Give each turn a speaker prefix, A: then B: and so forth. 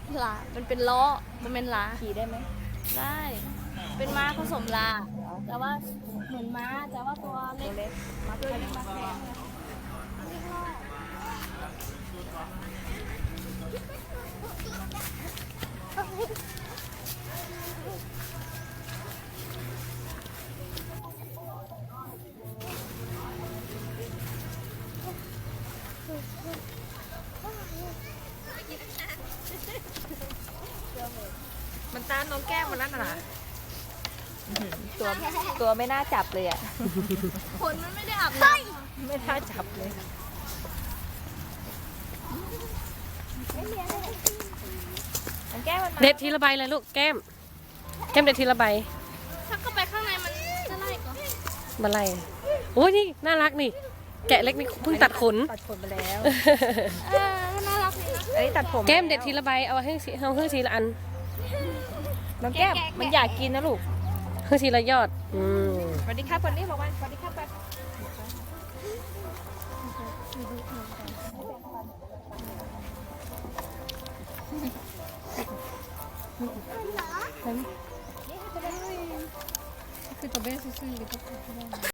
A: ลาเป็นล้อมันเป็นลา
B: ขี่ได้ไหม
A: ได้ เป็นม้าผสมลา แต่ว่าเหมือนม้าแต่ว่าตัวเล็
B: ตัว
A: ก
B: เล็ก
A: ตัวเล็กมาแข็ง
B: มันตามน้องแก้มมันนั่นน่ะตัวตัวไม่น่าจับเลยอ่ะ
A: ขนมันไม่ได้อาบน้ำ
B: ไม่น่าจับเลยน้องแก้มมันมา
C: เด็ดทีละใบเลยลูกแก้มเด็ดทีละใบ
A: ถ้าเข้าไปข้างในมันจะไล่ก่อน
C: มาไล่โอ้ยนี่น่ารักนี่ แกะเล็กนี่เพิ่งตัดขน
B: ตัดขนไปแล้ว
A: น่ารักดีนะ
B: อันนี้ตัดผม
C: แก้มเด็ดทีละใบเอาให้ทีละอัน
B: น้องแก้มมันอยากกินนะลูก
C: ให้ทีละยอด
B: สวัสดีครับคนนี้บอกว่าสวัสดีครับไป
C: คือตัวเบสซื่อๆ